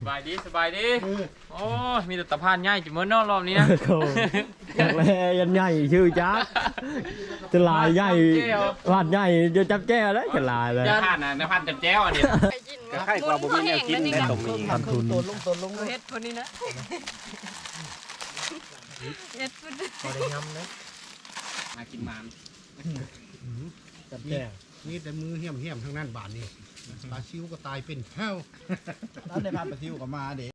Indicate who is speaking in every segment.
Speaker 1: สบายดีสบายดีโอ้มีแต่ตะพานง่ายจุ่มนอกรอบนี้นะ
Speaker 2: จากแลยันใหญ่ชื่อจ้าจะลายใหญ่วาดใหญ่จะจับแจ้แล้วจะลายเลย
Speaker 1: ในพันนะในพันจับแจ้วอันนี้
Speaker 3: ใครกว่าบ่มีแนวกินได้ตรงนี้ครับทุน
Speaker 4: เฮ็ดคนนี้นะเฮ็ดพุ่น
Speaker 1: พอได้ยำนะมากินมัน
Speaker 2: จับแจ้
Speaker 3: นี่แต่มือเหี้ยมทั้งนั้นบาทนี่ปลาชิวก็ตายเป็นแห้วแล้วในพันปลาชิวก็มาเด็ก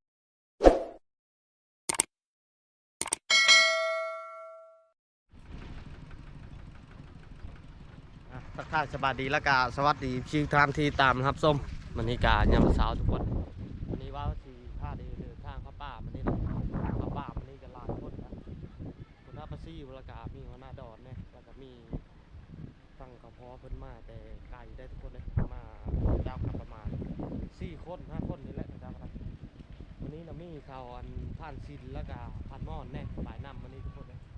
Speaker 2: ทักทายสวัสดีและกาสวัสดีชื่อทางที่ตามนะครับส้มมันนี่กายามเช้าทุกคนวันนี้ว่าสีท่าดีเดินทางเข้าป่ามันนี่นะเข้าป่ามันนี่ก็ลายคนนะคนหน้าปลาซี่วลากามีหัวหน้าดอนเนี่ยแล้วก็มีฟังกระเพาะเพิ่นมาแต่ไก่ได้ทุกคนเลยมาเจ้ากับประมาณ4 คน 5 คนนี่แหละเจ้าครับวันนี้นะมีข่าวอันผ่านซินแล้วก็ผ่านมอนแน่หลายนำวันนี้ทุกคนเลย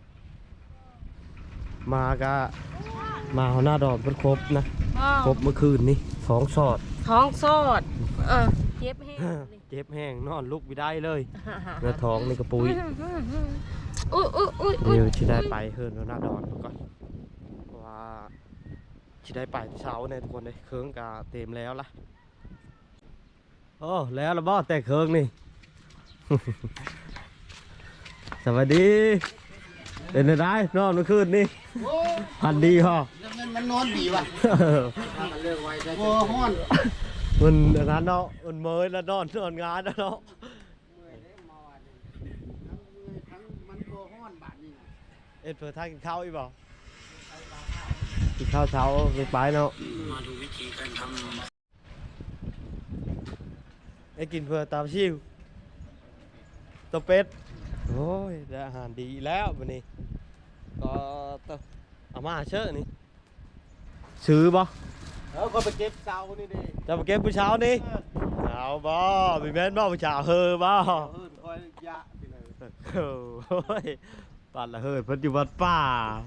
Speaker 2: มาก็มาหัวหน้าดอนเพิ่นครบนะครบเมื่อคืนนี้ท้องสอด
Speaker 4: เจ็บแห้ง
Speaker 2: เจ็บแห้งนอนลุกไม่ได้เลยเนื้อท้องนี่กระปุยเดี๋ยวที่ได้ไปเฮิร์นหัวหน้าดอนก่อนเพราะว่าที่ได้ไปเช้าเนี่ยทุกคนเลยเครื่องกาเต็มแล้วล่ะโอ้แล้วละบ่แต่เครื่องนี่ สวัสดีเป็นไงได้นอนเมื่อคืนนี่พันดีฮะ
Speaker 3: มันนอนดีว่ะโอ้ฮ้อน
Speaker 2: มันงานเนาะมันเมยแล้วนอนงานแล้วเนาะเอ็ดเผื่อทางกินข้าวอีกบ่กินข้าวเช้าไปเนาะมาดูวิธีการทำไอ้กินเผื่อตามชิวตัวเป็ดโอ้ยได้อาหารดีแล้ววันนี้ก็เอามาเชื่อนี่ซื้อบ่
Speaker 3: ก็ไปเก็บเสานี่ดิ
Speaker 2: จะไปเก็บผู้เช้านี่เอาบ่มีแม่นบ่ผู้เช้าเฮอบ่
Speaker 3: คอยยะไปเลย
Speaker 2: โอ้ยปัดละเฮิดเพิ่นอยู่วัดป่า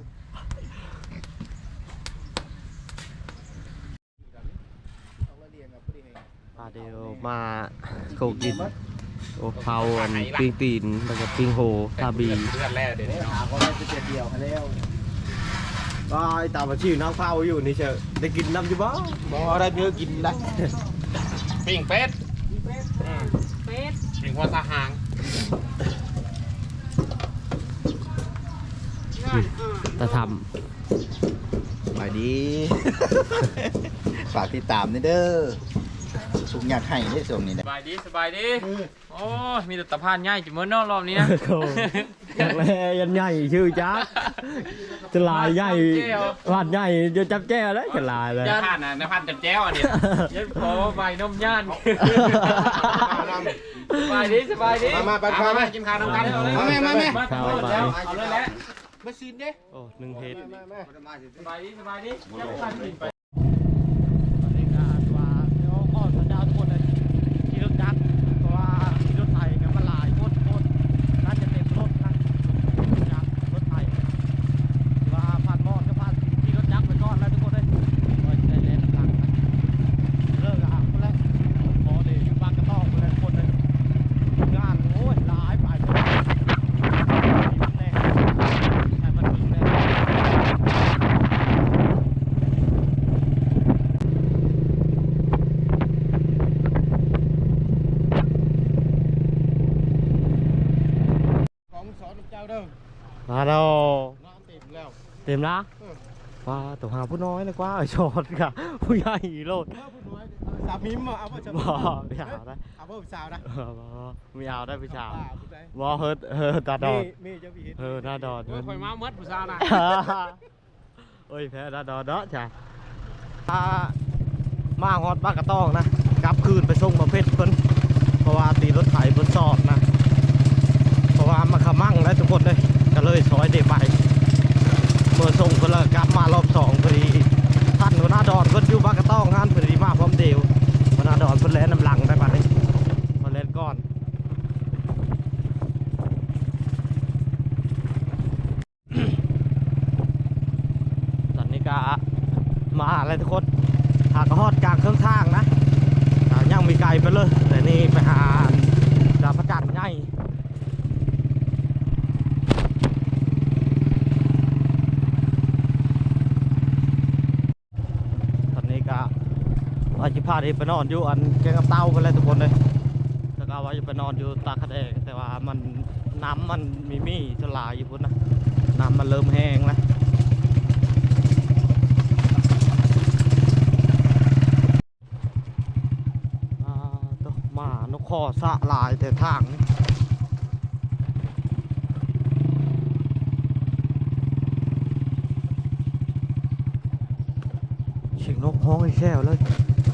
Speaker 2: เดี๋ยวมาโกกินโอ้เผาอันปิ้งตีนแล้วก็ปิ้งโหทาบี
Speaker 1: เลือดแร่เดี๋ยวนี้
Speaker 3: หาก็ได้จะเดียวให้แล้ว
Speaker 2: ก็ไอ้ตาบะชื่อน้ำเผาอยู่นี่เชียวได้กินน้ำจิบ่
Speaker 3: บ่ได้เนื้อกินได้
Speaker 1: ปิ้งเป็ดปิ้งหัวตาหาง
Speaker 2: ตาท
Speaker 3: ำไปดีฝากติดตามนี่เด้อสุกอยากให้ได้ส่งนี่นะ
Speaker 1: สบายดีสบายดีโอ้มีแต่ตะพานง่ายจุ่มนอกรอบนี้นะ
Speaker 2: จากแลยันใหญ่ชื่อจ้าจะลายใหญ่วาดใหญ่จะจับแจ้แล้วจะลายเลย
Speaker 1: ในพันนะในพันจับแจ้วอันนี้ยันขอใบนมย่านสบายดีสบายดี
Speaker 3: มา
Speaker 1: มากินข้าวน้ำกันเอาเลย
Speaker 3: มา
Speaker 1: เอาเลยแหละ
Speaker 3: มาซีนเด้
Speaker 2: โอ้1 เฮ็ด
Speaker 1: สบายดีสบายดี
Speaker 2: ตอนนี้ก็ว่าเดี๋ยวอ้อนสัญญาทุกคนเลยขี่รถจักรเพราะว่าขี่รถไถกับมันหลายโคตรน่าจะเต็มรถนะรถจักรรถไถว่าผ่านมอดก็ผ่านขี่รถจักรไปก่อนแล้วทุกคนเลยว่าจะได้เล่นหลังเลิกอ่ะคนแรกพอดีบ้านกระต้องคนแรกคนเลยงานโอ้ยหลายไปแน่ให้มันถึงแน่มาแล้วเต็มแล้วว่าตัวหาผู้น้อยเลยกว่าชอดกะผู้ใหญ่โลด
Speaker 3: สามีมาเอาว่าจะ
Speaker 2: บ่ไม่เอาได้
Speaker 3: เอาว่าสาวได้
Speaker 2: ไม่เอาได้ผู้ชายบ่เฮิร์ตาดอนหน้าดอน
Speaker 1: คอยมาเมื่อผู้สาวนะ
Speaker 2: โอ้ยแพ้หน้าดอนเนาะจ้ะมาฮอดบ้านกระต้องนะกลับคืนไปส่งมาเพชรเพิ่นเพราะว่าตีรถไถเพิ่นสอดนะเพราะว่ามาขมั่งแล้วทุกคนเลยก็เลยซอยเดไปเมื่อส่งเพิ่นแล้วกลับมารอบ2พอดีท่านหัวหน้าดอนเพิ่นอยู่บ้านกระต้องงานพอดีมาพร้อมเดียวหัวหน้าดอนเพิ่นแล่นน้ำหลังได้ป่ะนี่มาเล่นก่อนตอนนี้ก็มาอะไรทุกคนหากฮอดกลางเครื่องทางนะยังมีไกลไปเลยแต่นี่ไปหาาที่ไปนอนอยู่อันแกงกับเต้าไปเลยทุกคนเลยแล้วก็ว่าจะไปนอนอยู่ตาคาแดงแต่ว่ามันน้ำมันมีสลายอยู่พุ่นนะน้ำมันเริ่มแห้งแล้วตัวหมานกคอสะลายแต่ทางนี่เสียงนกฮ้องไอ้แค่วเลย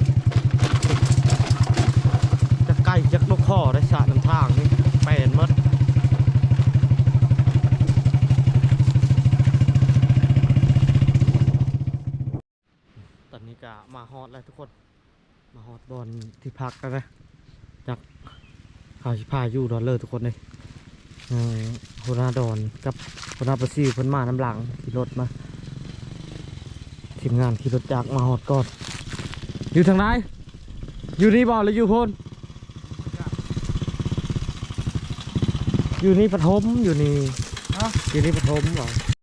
Speaker 2: จะใกล้จักนกคอได้สะน้ำทางนี่แปลนหมดตอนนี้ก็มาฮอดแล้วทุกคนมาฮอดบอลที่พักกันนะจากข่าวชิพาอยู่ดอนเลอร์ทุกคนเลยหัวหน้าดอนกับหัวหน้าประซีเพิ่นมาน้ำหลังขี่รถมาทีมงานขี่รถจากมาฮอดก่อนอยู่ทางไหนอยู่นี่บ่หรืออยู่โพนอยู่นี่ปฐมอยู่นี่อยู่นี่ปฐมบ่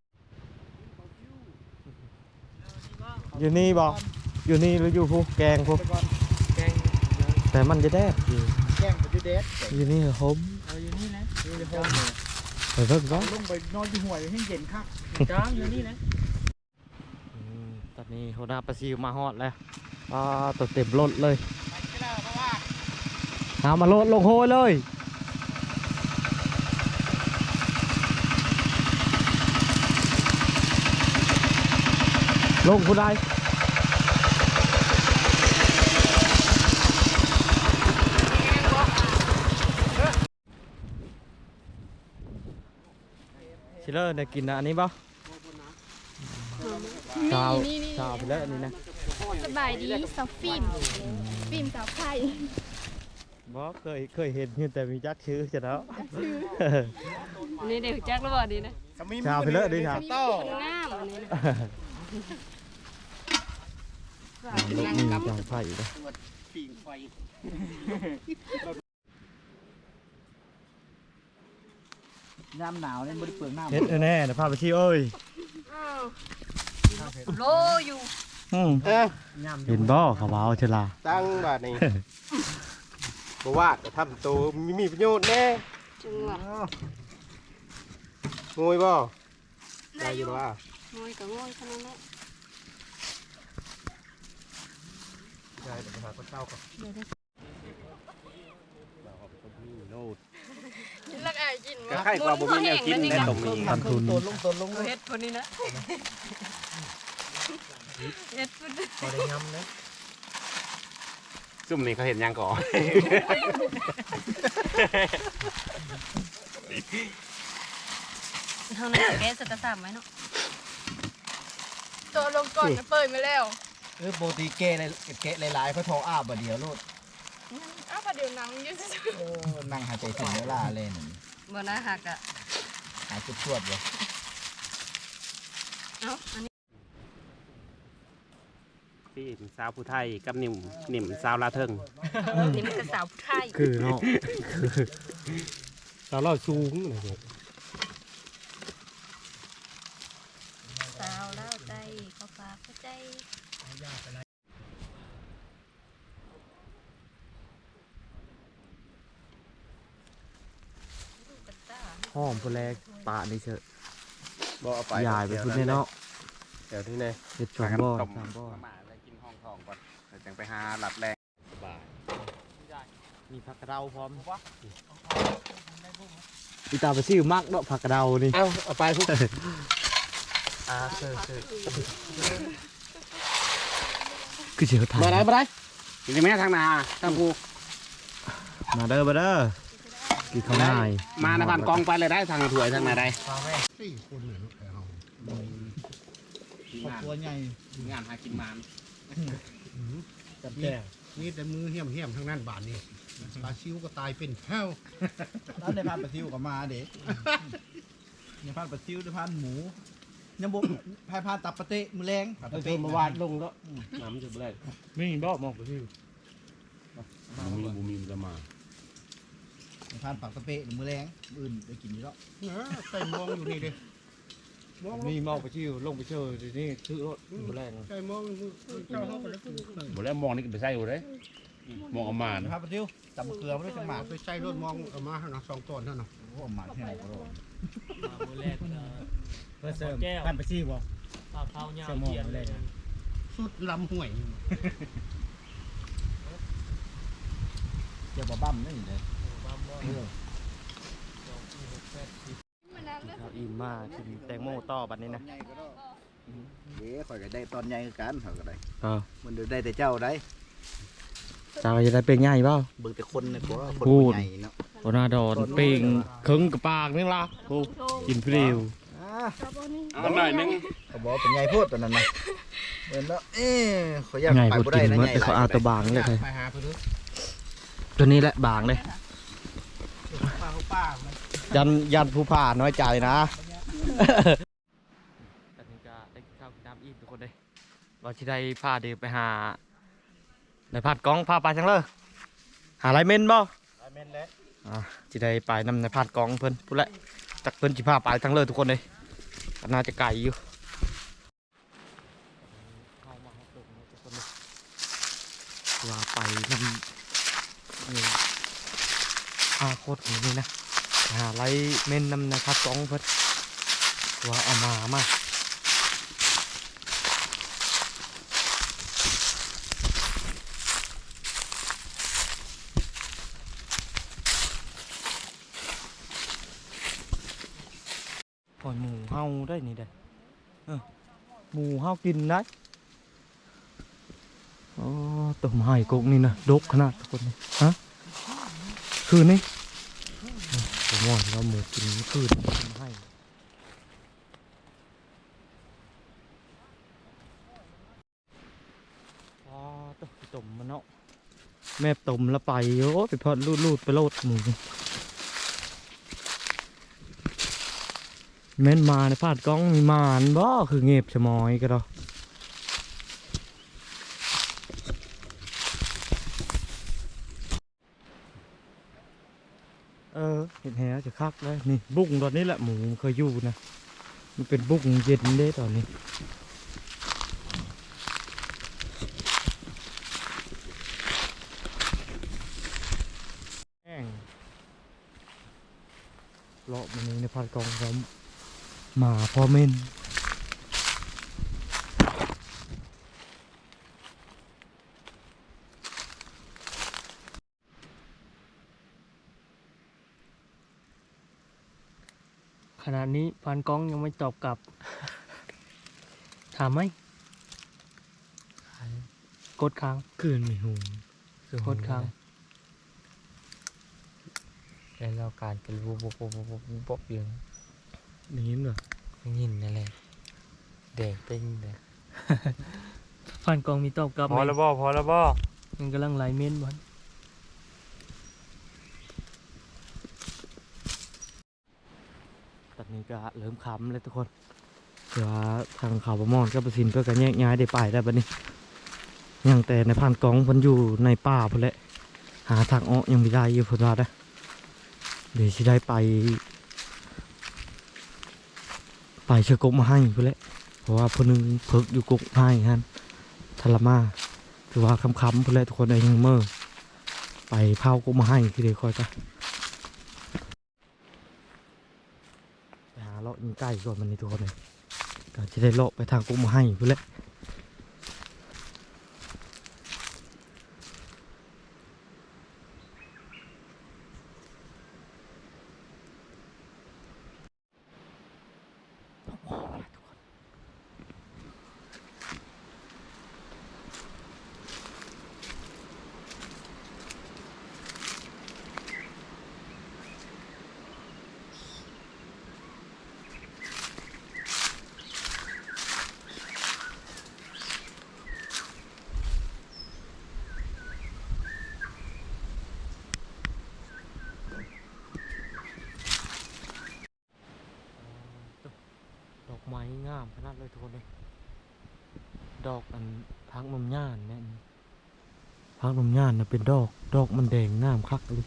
Speaker 2: อยู่นี่บ่อยู่นี่หรืออยู่พูแกงพูแต่มันจะแดดอยู่
Speaker 3: แกล้งไปเด็ด
Speaker 2: อยู่นี่ปฐม
Speaker 1: อยู่นี่นะ
Speaker 3: นี่ห้อง
Speaker 2: ไปเพิ่งก็
Speaker 3: ลงไปนอนอยู่ห่วยให้เย็นคัก
Speaker 1: จ้าอยู่นี่นะ
Speaker 2: ตอนนี้หัวหน้าประซีมาฮอดแล้วตัวเต็มรถเลยเอามาโลดลงโฮเลยลงผู้ใดชิเลอร์เนี่ยกินอันนี้ป่ะชาวชาวไปแล้วอันนี้นะ
Speaker 5: สบายดีสาวฟิล์มสาวไข่
Speaker 2: บ่เคยเห็นอยู่แต่มีจักชื่อจะแล้ว
Speaker 4: นี่เด็กจักแล้วบ่ดีนะ
Speaker 2: ชาวไปแล้วด้วยครับ
Speaker 4: คนงามอันนี้นะ
Speaker 2: ลูกนี่จังไฟเลย
Speaker 3: น้ำหนาวเนี่ยไม่ได้เปลืองน้ำ
Speaker 2: เฮ็ดแน่นะพาไปที่เอ้ย
Speaker 4: โลอยู่
Speaker 2: เห็นบ่เขาว่าเอาเชลา
Speaker 6: ตั้งบาทนี้ บอกว่าจะทำตัวมีประโยชน์แน่
Speaker 4: จังหวะ
Speaker 6: งวยบ่ได้อยู่ว่า
Speaker 4: งอยกับงอยขนาดนั้น
Speaker 6: ได้เดี๋ยวไปหาคนเศร้าก่อน
Speaker 4: ลักอายกิน
Speaker 6: ก็ให้กว่าบ่มีแนวกินในตรงนี้
Speaker 2: ทันทุน
Speaker 4: เฮ็ดคนนี้นะเฮ็ดพุ่น
Speaker 6: พอได้ย้ำนะซุ่มนี่เขาเห็นยังก่อน
Speaker 4: เท่านั้นแกสตะสามไหมเนาะ
Speaker 5: ตัวลงก่อนจะเปิดมาแล้ว
Speaker 3: โปรตีเกะหลายๆเขาโทรอ้าบเดียวโลด
Speaker 5: อ้าวพอเดี๋ยวหนังอยืด
Speaker 3: นั่งหายใจถึงเวลาเล่น
Speaker 4: บ่น่าหักอ่ะ
Speaker 3: หายจุดชวดเลย
Speaker 4: เอ้าอันนี้
Speaker 6: พี่สาวผู้ไทยกับนิ่มสาวลาเทิง
Speaker 4: นี่มันก็สาวผู้ไทย
Speaker 2: คือเนาะ
Speaker 6: สาวเราสูงเลย
Speaker 4: สาวเล่าใจเขาฝากหัวใจ
Speaker 2: หอมผู้แรกปะนี่เชอะ
Speaker 6: บ่เอาไป
Speaker 2: ยายไปพุ่นเนี่ยเนาะ
Speaker 6: เดี๋ยวที่ไหน
Speaker 2: เฮ็ดสองบ่อ
Speaker 6: ต้ม
Speaker 2: สามบ่อ
Speaker 6: มาแล้วกินห้องทองก่อนเดี๋ยวจังไปหาหลับแรงสบาย
Speaker 2: มีผักกระเดาพร้อมอีตาไปซื้อมักเนาะผักกระเดานี่
Speaker 6: เอาไปพวก
Speaker 2: คือเสือถ่าย
Speaker 6: มาได้ยังไม่ทางนาทางภู
Speaker 2: มาเด้อกินข้าวหน้า
Speaker 6: มาในบ้านกองไปเลยได้ทางถวยทางไหนได้
Speaker 3: ครอบครัวใหญ่
Speaker 6: งานหากินมาน
Speaker 3: จับแก่นี่แต่มือเหี้ยมทั้งนั้นบาทนี่ปลาชิวก็ตายเป็นแห้วแล้วในพันปลาชิวก็มาเด็กในพันปลาชิวในพันหมูยังบุกพายพานตับปะเตะมือแรงตับปะเตะ
Speaker 6: มาวาดลงแล้วน้ำจะแรง
Speaker 2: ไม่มีบ่มองไปที่
Speaker 6: มีจะมา
Speaker 3: ในพันปักตะเปะมือแรงมืออื่นได้กินอยู่แล้วใส่มองอยู่นี่เลย
Speaker 6: นี่มองไปชิวลงไปเชื่อทีนี้ซื้อรถหมดแรง
Speaker 3: ใช่มองเจ้าเขาไปแล้ว
Speaker 6: หมดแล้วมองนี่ก็ไปใส่อยู่เลยมองเอามา
Speaker 3: นะครับปะทิวตำเกลือไม่ได้จังหวะไปใช้รถมองเอามาเนาะ2ต้นเท่านั้น
Speaker 7: โอ้หมาแห้งก็รอ
Speaker 1: มือแรก
Speaker 7: เพื่อเสริมท่านไปซี่บ่
Speaker 1: ข้าวเหนียวเทียนเลย
Speaker 3: สุดลำห่วย
Speaker 7: เดี๋ยวบ่บั้มนี่เลย
Speaker 2: ข้าวอิ่มมากกินแตงโมต่อบัดนี้นะ
Speaker 7: เดี๋ยวข่อยก็ได้ตอนใหญ่คือกันข่อยก็ได้
Speaker 2: อ้าว
Speaker 7: มันได้แต่เจ้าได้
Speaker 2: เจ้าจะได้เป็นใหญ่เปล่า
Speaker 7: เบิ่งแต่คนนี่บ่คน
Speaker 2: พูด
Speaker 7: ใหญ่เนาะ
Speaker 2: โอนาดอนเป่งครึ่งกับปากนี่ล่ะโอ้กินเพลียว
Speaker 6: เอาหน่อยนึง
Speaker 7: ก็บอกเป็นใหญ่โพดตอนนั้นนะเบิ่งแล้วขอยอยาก
Speaker 2: ไง
Speaker 7: ไป
Speaker 2: พอ
Speaker 7: บ่ได้
Speaker 2: กิน
Speaker 7: นะ
Speaker 2: เมื่อ
Speaker 7: ใหญ่
Speaker 2: แต่เขาเอาตัวบางเลย
Speaker 3: ไปหาเพื่อน
Speaker 2: ตัวนี้แหละบางเลย
Speaker 3: ป้า
Speaker 2: ยันผู้ผ่าน้อยใจนะตอนนี้ก็ได้ข้าวกินน้ำอิ่มทุกคนเลยเราจะได้พาเดินไปหาในพาดกล้องพาไปทั้งเลยหาไรเม่นบ่
Speaker 3: แม่นแล้ว
Speaker 2: จะได้ไปนำในพาดกล้องเพิ่นพูดแหละจากเพิ่นจะพาไปทั้งเลยทุกคนเลยก็น่าจะไกลอยู่เข้ามาครับทุกคนเลยว่าไปนำโคตรนี้นะหาไรเม่นนำในพาดกล้องเพิ่นว่าเอามาปล่อยหมูเฮาได้นี่เด้หมูเฮากินได้อ๋อต้มไห่กุกนี่นะดกขนาดทุกคนนี่ฮะคืนนี้ผมว่าเราหมูกินคืนต้มไห่อ๋อต้มมันเนาะแม่ต้มแล้วไปโอ้ไปพอดลูดไปโลดหมูแม่นมาในพาดกล้องมีมานบ่คือเงียบชะมอยก็ดอกเห็นแหจะคักเลยนี่บุ้งตอนนี้แหละหมูเคยอยู่นะมันเป็นบุ้งเย็นเด้ตอนนี้แห้งเลาะมันนี้ในพาดกล้องเราหมาพ่อเม่นขณะนี้พานกล้องยังไม่ตอบกลับ ถามไหมกดค้างคืนไม่หูกดค้างแล้วเราการเป็นบุบอย่างนี้เหรอยินนั่นแหละแดงเป็นเลยพานกล้องมีตอบกลับพอแล้วบ่ยังกำลังไล่เม้นบอลตอนนี้ก็เริ่มขำเลยทุกคนเดี๋ยวทางข่าวประมอนก็ประสินเพื่อการแยกย้ายได้ไปได้บัดนี้ยังแต่ในพานกองเพิ่นอยู่ในป่าพุ่นแหละหาทางออกยังไม่ได้อยู่พุ่นว่าได้เดี๋ยวจะได้ไปเชือกกมาให้พุ่นแหละเพราะว่าพุ่นนึงเพิกอยู่กกให้ฮะทรมาถือว่าคำพุ่นแหละทุกคนได้ยังเมื่อไปเผากกมาให้คือเดี๋ยวคอยกันเลาะยิงใกล้ก่อนมันนี่ทุกคนเลยก็จะได้เลาะไปทางกุ้งมาให้เพื่อแหละดอกไม้งามขนาดเลยทุกคนเลยดอกอันพักนมย่านเนี่ยพักนมย่านนะเป็นดอกมันแดงงามคักเลย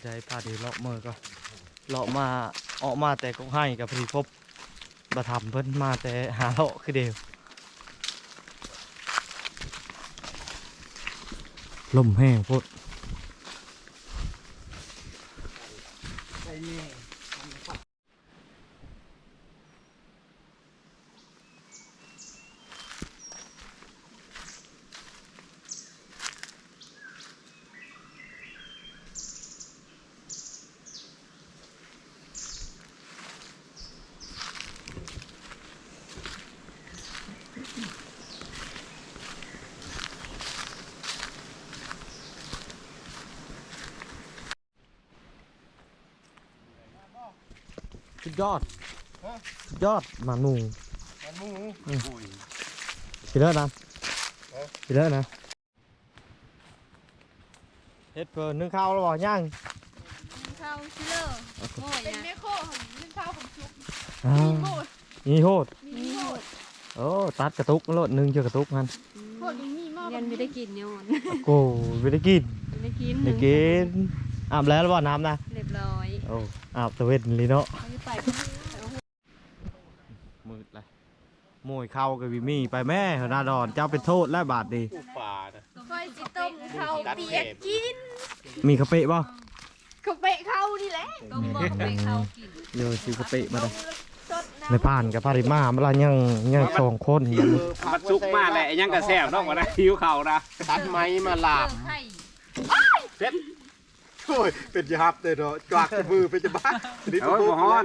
Speaker 2: ใจพาดีเลาะมือก็เลาะมาออกมาแต่ก็ให้กับพี่พบมาทำเพิ่นมาแต่หาเลาะคือเดียวลมแห้งโพดสุดยอดสุดยอดหมาหนูพี่เลิศนะพี่เลิศนะเฮ็ดเพิ่นนึ่งข้าวแล้วบ่ย่าง
Speaker 5: ข้าวชิลเลอร์โอ้ยเป็นแม่โคของนึ่งข้าวของชุบ
Speaker 2: นี่โหด
Speaker 5: มีโคตร
Speaker 2: โอ้ตัดกระตุกโลดนึงเจอกระตุกมัน
Speaker 5: โคตรยังมีหม้อ
Speaker 4: ยันไม่ได้กินย้อน
Speaker 2: โอ้ไม่ได้กิน
Speaker 4: ไม่ได้กิน
Speaker 2: ได้กินอาบแล้วหรือเปล่าน้ำนะ
Speaker 4: เรียบร้อย
Speaker 2: โอ้อาบตะเวนเลยเนาะ
Speaker 4: เอาไป
Speaker 2: มืดเลยโมยเข้ากับวิมี่ไปแม่หนาดอนเจ้าเป็นโทษและบาทดี
Speaker 6: ผู้ป่านะ
Speaker 5: คอยจิต้มข้าวเปียกกิน
Speaker 2: มีกะเปะป่ะ
Speaker 5: เขาเปะข้าวนี่แหละ
Speaker 4: ต้มบอกไปเข้ากิน
Speaker 2: โยซื้อกะเปะมาเลย
Speaker 5: สดน้
Speaker 2: ในผ่านกับพาริมาเวลายังสองคน
Speaker 1: มันสุกมากแหละยังกระแซบต้องมาได้หิวเข่านะ
Speaker 6: ตัดไม้มาลาบ
Speaker 4: ไข่
Speaker 6: โอ้ยเป็นยับเลยเนาะกวาดมือเป็นจะบ้านี่
Speaker 1: โอ้ยบ่ฮ้อน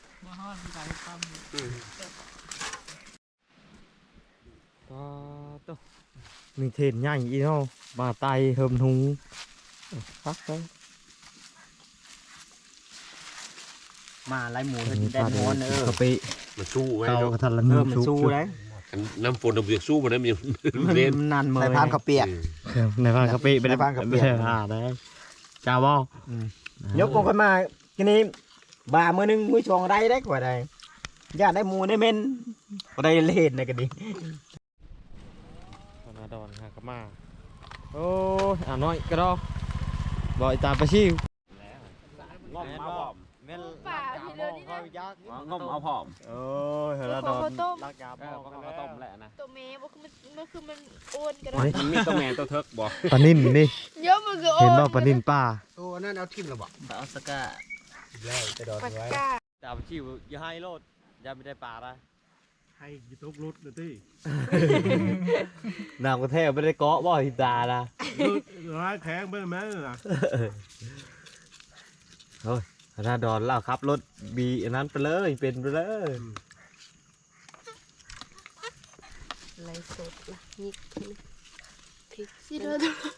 Speaker 2: มีเทนใหญ่อีเนาะมาไตเฮิมทุงพักเลย
Speaker 7: มาไล่หมู
Speaker 2: อัน
Speaker 7: กิ
Speaker 2: นี้
Speaker 7: นได้
Speaker 2: ปลา
Speaker 7: หม
Speaker 2: เดื
Speaker 7: ดเออ
Speaker 2: กะเปะ
Speaker 6: มันสู้ไว้
Speaker 2: เกา
Speaker 6: เนาะ
Speaker 2: กระทันละ
Speaker 7: เอ
Speaker 2: นึ่
Speaker 7: อง มันสู้เลย
Speaker 6: น้ำฝนเราเบียกสู้มันได้มันยัง
Speaker 7: มัน
Speaker 6: เล่น
Speaker 7: นานเมื่
Speaker 3: ใส่
Speaker 7: อย
Speaker 3: พานข้าวเปียก
Speaker 2: ในผ่านกะเปะ
Speaker 3: ในพานกะเปะ
Speaker 2: ไม่ได้ผ่าได้จ้าบ่
Speaker 7: ยกกงขึ้นมาทีนี้บ่ามือหนึงมือชองได้ได้กว่าใดย่าได้หมูได้เม่นก็ได้เล่นในกันดิ
Speaker 2: ธนาดอนฮะก็มาโอ้ยอ่าน้อยก็รอบ่อยตามไปชิว
Speaker 1: งมเอาผอม
Speaker 2: แม่นป่าที่เรือนี่นะยักษ์
Speaker 1: งมเอาผอม
Speaker 2: โอ้ยธนาดอนลักยา
Speaker 1: เอ
Speaker 2: พ่
Speaker 1: อ
Speaker 2: อ
Speaker 1: ก็ต้มแหละนะ
Speaker 5: ำตัวเมย์บอกคือมันโอนกัน
Speaker 1: มันมีตัวแมนตัวเทิกบ่
Speaker 2: ปลานิ่นนี่
Speaker 5: เยอะมันคือโอ
Speaker 2: เห็น
Speaker 5: น
Speaker 2: บ่ปลานิ่นป้า
Speaker 3: ตัวนั่นเอาทิ่มระบอก
Speaker 7: เอาสก้า
Speaker 3: แล้วจะโดน
Speaker 5: ปาก
Speaker 3: ไว้
Speaker 5: กา
Speaker 2: ตามไปชิวอย่าให้โลดอย่าไม่ได้ป่าละ
Speaker 3: ให้ยูทูบรุดเลยที่
Speaker 2: น้ำกระแทกไม่ได้เกาะบ่ทิตาละ
Speaker 3: ร้ายแข็งไปไหมล่ะ
Speaker 2: เฮ้ยธนาดอนเล่าครับรถบีอันนั้นไปเลยเป็นไปเลย
Speaker 4: ไรสดละยิกพริก
Speaker 5: ชิลเลอร์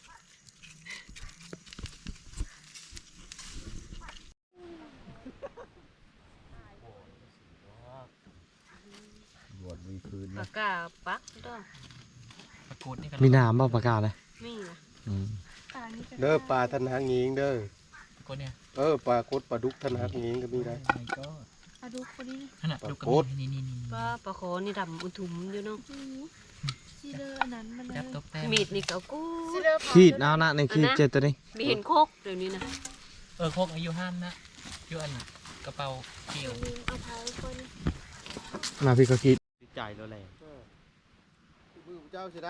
Speaker 7: บวชมีคืน
Speaker 4: ปากกาปักด้วย
Speaker 2: มีน้ำบ่ประกาศเลย
Speaker 4: นี่นะ
Speaker 6: เด้อปลาทนหางยิงเด้อปลากดปลาดุกทนหางยิงก็มีได้
Speaker 5: อะดูคนนี้
Speaker 6: ปลากด
Speaker 4: ป้าปลาโคนี่ดำอุทุมอยู่เนาะ
Speaker 5: ชิลเลอร์อันนั้นมันเลย
Speaker 4: มีดนี่ก็กู้
Speaker 5: ชิลเลอร์
Speaker 2: ขีดเอานะในขีดเจ็ดตัวนี้
Speaker 4: มีเห็นโคกเดี๋ยวนี้นะ
Speaker 8: โคกอายุห้ามนะอยู่อันกระเป๋าเกี่ยว
Speaker 5: เอาเท้าคน
Speaker 2: มาพี่ก็คิดใจแล้วแหละ
Speaker 6: มือเจ้าสิได้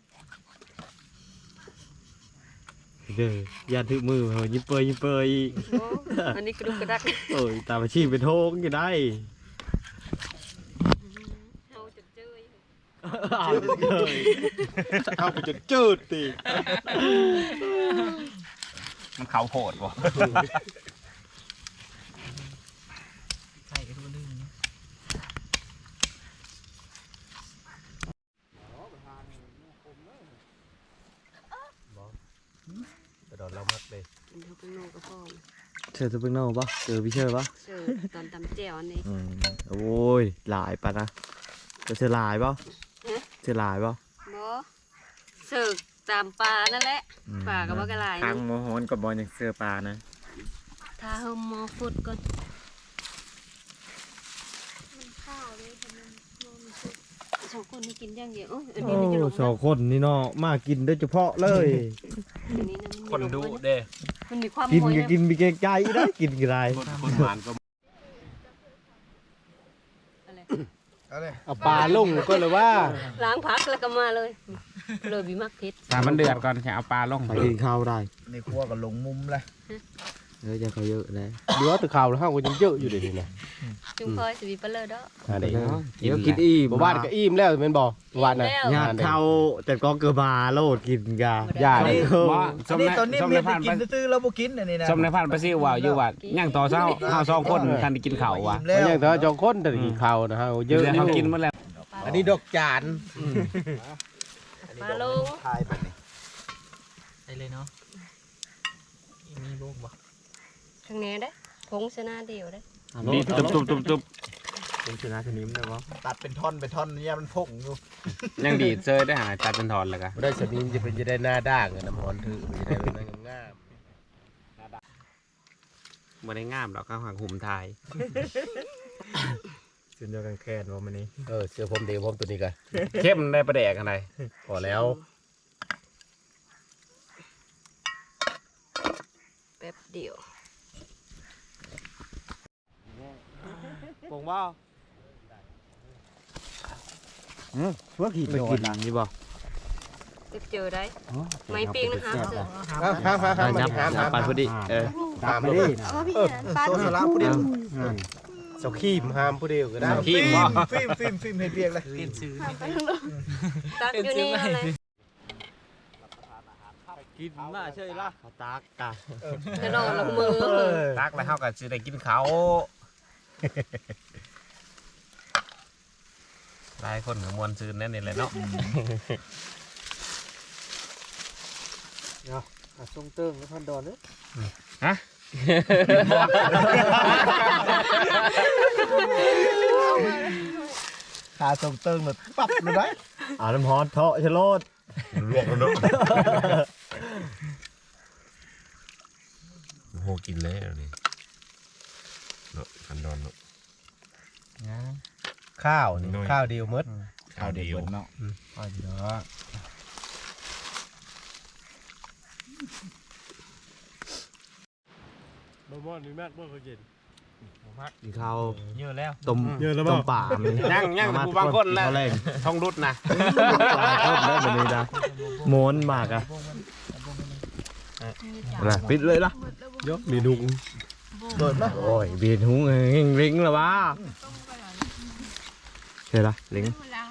Speaker 2: เด้อย่าถือมือเหรอยิ้มเปยอีก
Speaker 4: โอ้อันนี้กระดุกกระดัก
Speaker 2: โอ้ยตามอาชีพเป็นโทงอยู่ได้
Speaker 4: เฮาจะเจย
Speaker 6: เข้าไปจนจืดติ
Speaker 1: มันเขาโผดบ่
Speaker 8: ใครก็รู้เรื่องนี้
Speaker 6: กระโดดเรามักเลย
Speaker 4: มันเท่าเป็นโลกระพอง
Speaker 2: เชิญตัวเป็นโน่ปะเจอพี่เชิญปะ
Speaker 4: เจอตอนตำแจ่วอันนี้
Speaker 2: โอ้ยหลายปะนะจะเจอหลายปะเจอหลายปะ
Speaker 4: บ่เสิร์ฟตามปลานั่นแหละปลากับว่ากระไร
Speaker 2: ทางโมโหนกับบอลยังเสือปลานะ
Speaker 4: ถ้าเฮาหมอฟุดก่อน
Speaker 5: ข้าวเลยค่ะมัน
Speaker 4: สองคนนี่กินอย่างเดียวโอ้อัน
Speaker 2: โอ้
Speaker 4: นี้มันจะลง
Speaker 2: สองคนนี่เนาะมากินโดยเฉพาะเลย
Speaker 4: อันนี้นะมัน
Speaker 1: คน
Speaker 4: จะลง
Speaker 1: ดู
Speaker 4: มา
Speaker 1: เด้
Speaker 4: มันมีความ
Speaker 7: กิน
Speaker 4: มวย
Speaker 7: ก็กินมีเกรงใจได้กินกี่ไร
Speaker 6: คนหวานก็
Speaker 2: เอาปลาลงก็เลยว่า
Speaker 4: ล้างผักแล้วก็มาเลยเลยบีมักเผ็ด
Speaker 1: ถ้ามันเดือดก่อนจะเอาปลาลง
Speaker 7: ไปกินข้าวได้
Speaker 3: ในครัวก็ลงมุมเลย
Speaker 7: จะเขาเยอะเลย
Speaker 6: เหลือแต่ข่าวแล้วเฮาก็ยังเยอะอยู่เดี๋ยวนี้นะ
Speaker 4: จุงพอยสิบีเปเลอร์เด้อ
Speaker 6: อะไร
Speaker 7: เดี๋ยวกินอิ่ม
Speaker 6: บ่บ้านก็อิ่มแล้วแม่นบ่วานน่ะ
Speaker 7: ญาติเขาแต่ก็เกือบมาโลดกินกา
Speaker 6: ย่า
Speaker 7: อันนี้
Speaker 3: อันนี้ตอนนี้เมียกินตื้อๆแล้วบ่กินอันนี้นะ
Speaker 1: ส้มในพันธุ์ไปซิว่าอยู่ว่าย่างต่อเช้าเฮา2คนทันได้กินข้าวว่ะ
Speaker 3: แล้
Speaker 6: ก็
Speaker 3: ว
Speaker 6: ยังแต่ว่าจองคนแต่กินข้าวนะฮะเยอะ
Speaker 1: เดี๋ยวเขากินหมดแล้ว
Speaker 6: อันนี้ดอกจาน
Speaker 4: ปลาลง
Speaker 3: ทายแบบนี้
Speaker 8: ได้เลยเนาะมีลูกบ่
Speaker 4: ข้างแหน่ได้ผงชนะเดียวได้
Speaker 1: นี่ตุบ
Speaker 7: เป็นชนะชนิมได้ปะ
Speaker 3: ตัดเป็นท่อนเนี่ยมันพกอยู่
Speaker 1: ยังดีดเซยได้หาตัดเป็นถอนแล้วก็
Speaker 6: ได้สนิมจะได้หน้าด่างอะน้ำหอนถือมันจะได้เป็นงาม
Speaker 1: บ่ได้งามดอกข้างหางหุ่มทาย
Speaker 7: จนเดียวกันแค่นว่ามันนี้
Speaker 6: เสื้อผมเดียวผมตัวนี้กัน
Speaker 1: เข้มได้ประแดกอะไร
Speaker 6: พอแล้ว
Speaker 4: แป๊บเดียว
Speaker 2: ปงว่า
Speaker 7: เพื่อกิน
Speaker 2: ไปกินนี่บ่
Speaker 4: เจอได้ไม่ปิ้งนะคะเสือ
Speaker 6: ห้าม
Speaker 2: ปลาพอดี
Speaker 6: ห้าม
Speaker 7: ไม่ได้
Speaker 3: โซสละผู้เดียว
Speaker 6: เจ้าขี้มห้ามผู้เดียวก็ได้
Speaker 1: ขี้บ่
Speaker 3: ฟิล์มให้เปียกเลย
Speaker 8: กินซื้อ
Speaker 4: ตักอยู่นี่อะไร
Speaker 2: กินมาเฉยละตากกะ
Speaker 4: กระโดดลงมือ
Speaker 1: ตักแล้วเฮาก็สิได้กินข้าวหลายคนก็มวนซื่นแน่นี่แหละเนาะ
Speaker 2: ทรงเติ้งแล้วพันดอนเด้อ
Speaker 3: ขาส่งเติงเลยปั๊บเลยได้
Speaker 7: น้ำฮอตเทาะชะโลด
Speaker 6: ลวกแล้วเนาะโหกินแล้วนี่เนาะคันดอนเนาะข้าวนี่ข้าวเดียวมด
Speaker 3: ข้าวเดียวเนาะ
Speaker 6: ข้าวเดียวบ่นี่มากบ่เขากิน
Speaker 7: กินข้าว
Speaker 1: เยอะแล้ว
Speaker 7: ต้มต้มป่าเลย
Speaker 1: ยังแต่ผู้บางคนแล้ว
Speaker 7: แรง
Speaker 1: ท้องรุดนะ
Speaker 7: หลายคนได้แบบนี้นะโมนมากอะอะไรปิดเลยล่ะ
Speaker 6: ยกมีดุง
Speaker 3: เปิดมา
Speaker 7: โอ้ยเบียดหูเองลิงแล้ววะเฮ้ยละลิง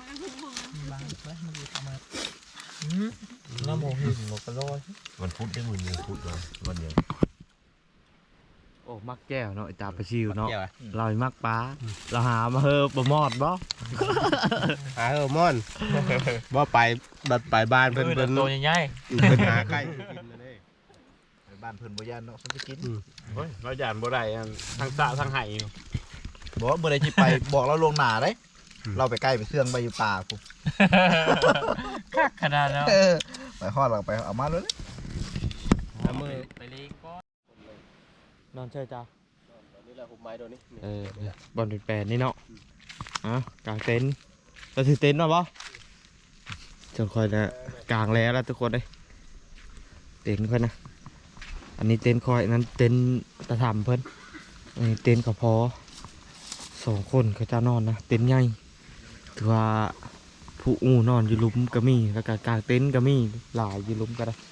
Speaker 8: น้ำหมูหินหมกกระโลย
Speaker 6: มันพุธได้มื้อนึงพุธวันเดียว
Speaker 7: โอ้มักแก้วเนาะจ่าปลาชิวเนาะเรามักปลาเราหามาเฮอปลามอดบ่
Speaker 6: หาม่อนบ่ไปบัดไปบ้านเพิ่น
Speaker 8: ตัวใหญ่
Speaker 6: เพิ่นหาใกล้กินเลย
Speaker 3: บ้านเพิ่นบ่ย่านเนาะฉันจะกิน
Speaker 1: โอ้ยเราหยานบ่ได้ทั้งสะทั้งไห้
Speaker 3: บอกว่าเมื่อไรที่ไปบอกเราลวงหนาได้เราไปใกล้ไปเสื่องไปอยู่ป่ากู
Speaker 8: คักขนาดแล้ว
Speaker 3: ไปฮอดเราไปเอามาเลย
Speaker 8: ไปเลยก็
Speaker 7: นอนเช่จ้า
Speaker 6: นี่แหละผมไม้ตัวนี้
Speaker 7: บอลเป็นแปดนี่เนาะกางเต็นท์เราถือเต็นท์มาบ่จนคอยนะกางแล้วทุกคนเลยเต็นท์ค่อยนะอันนี้เต็นท์คอยนั้นเต็นท์ตะถามเพิ่นอันนี้เต็นท์ก็พอ2 คนเขาจะนอนนะเต็นท์ใหญ่ถือว่าผู้อูนอนอยู่หลุมก็มีแล้วก็กางเต็นท์ก็มีหลายอยู่หลุมก็ได้